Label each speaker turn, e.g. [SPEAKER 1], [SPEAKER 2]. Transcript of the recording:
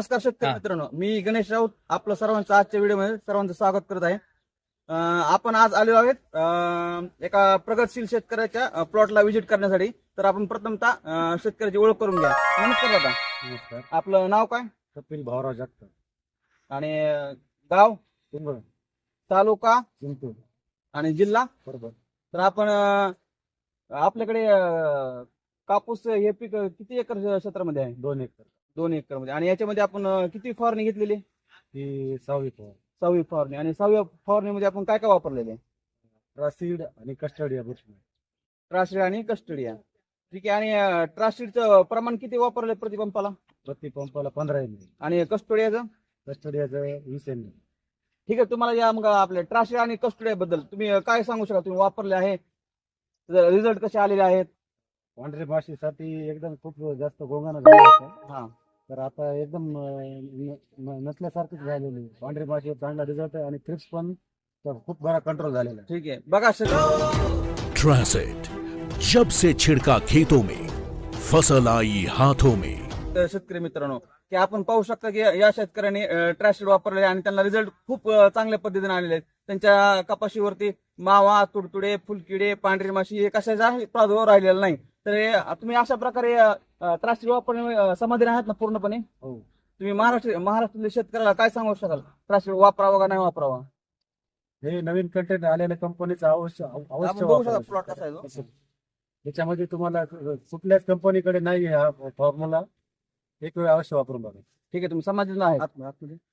[SPEAKER 1] नमस्कार शेतकरी मित्रांनो, मी गणेश राऊत आपलं सर्वांचं आजच्या व्हिडिओमध्ये सर्वांचं स्वागत करत आहे. आपण आज आलो आहोत एका प्रगतशील शेतकऱ्याच्या प्लॉटला व्हिजिट करण्यासाठी. तर आपण प्रथमतः शेतकऱ्याची ओळख करून घ्या. नमस्कार दादा.
[SPEAKER 2] नमस्कार.
[SPEAKER 1] आपलं नाव काय
[SPEAKER 2] कपिल भाऊराव जगताप.
[SPEAKER 1] आणि गाव,
[SPEAKER 2] पिंपळ,
[SPEAKER 1] तालुका
[SPEAKER 2] चिंतूर,
[SPEAKER 1] आणि जिल्हा?
[SPEAKER 2] बरोबर.
[SPEAKER 1] तर आपण आपल्याकडे कापूस हे पीक किती एकर क्षेत्रामध्ये आहे?
[SPEAKER 2] 2 एकर.
[SPEAKER 1] 2 एकर मध्ये. आणि याच्यामध्ये आपण किती फवारणी घेतलेली?
[SPEAKER 2] ही 6वी फवार.
[SPEAKER 1] 6वी फवारणी. आणि 6व्या फवारणीमध्ये आपण काय काय वापरलेले?
[SPEAKER 2] ट्रासीड आणि कस्टडिया बुरशी.
[SPEAKER 1] ट्रास्टिड आणि कस्टडिया. ठीक आहे. आणि ट्रास्टिडचं प्रमाण किती वापरले प्रति पंपाला?
[SPEAKER 2] प्रति पंपाला 15 ml.
[SPEAKER 1] आणि कस्टोडियाचं?
[SPEAKER 2] कस्टडियाचं 20 ml.
[SPEAKER 1] ठीक आहे. तुम्हाला या मग आपल्या ट्रास्टिड आणि कस्टोडिया बद्दल तुम्ही काय सांगू शकता? तुम्ही वापरले आहे, रिझल्ट कसे आलेले आहेत?
[SPEAKER 2] पांढरे माशीसाठी एकदम खूप जास्त गोंगाणा झाला होता.
[SPEAKER 1] हा,
[SPEAKER 2] तर आता एकदम नसल्यासारखंच झालेलं आहे. पांढरे माशी चांगला रिझल्ट आहे आणि थ्रिप्स पण खूप बरा कंट्रोल झालेला आहे.
[SPEAKER 1] ठीक आहे. बघा
[SPEAKER 3] ट्रांसेट, जब से छिड़का खेतों में, फसल आई हाथों में.
[SPEAKER 1] शेतकरी मित्रांनो, की आपण पाहू शकता की या शेतकऱ्यांनी ट्रास्टिड वापरले आणि त्यांना रिझल्ट खूप चांगल्या पद्धतीने आलेले आहेत. त्यांच्या कपाशीवरती मावा, तुडतुडे, फुलकिडे, पांढरी माशी हे कशाचा प्रादुर्भाव राहिलेला नाही. तर तुम्ही अशा प्रकारे ट्रास्टिड वापरणे समाधानी आहात ना पूर्णपणे?
[SPEAKER 2] हो.
[SPEAKER 1] तुम्ही महाराष्ट्रातल्या शेतकऱ्याला काय सांगू शकाल? ट्रास्टिड वापरावा का नाही वापरावा?
[SPEAKER 2] हे नवीन कंटेंट आलेल्या कंपनीचं अवश्य
[SPEAKER 1] आपण बघू शकता प्लॉट कसा आहे तो.
[SPEAKER 2] वापरायचं. त्याच्यामध्ये तुम्हाला कुठल्याच कंपनीकडे नाही हा फॉर्म्युला. एक वेळ अवश्य वापरून बघा.
[SPEAKER 1] ठीक आहे. तुम्ही समाधानी आहेत?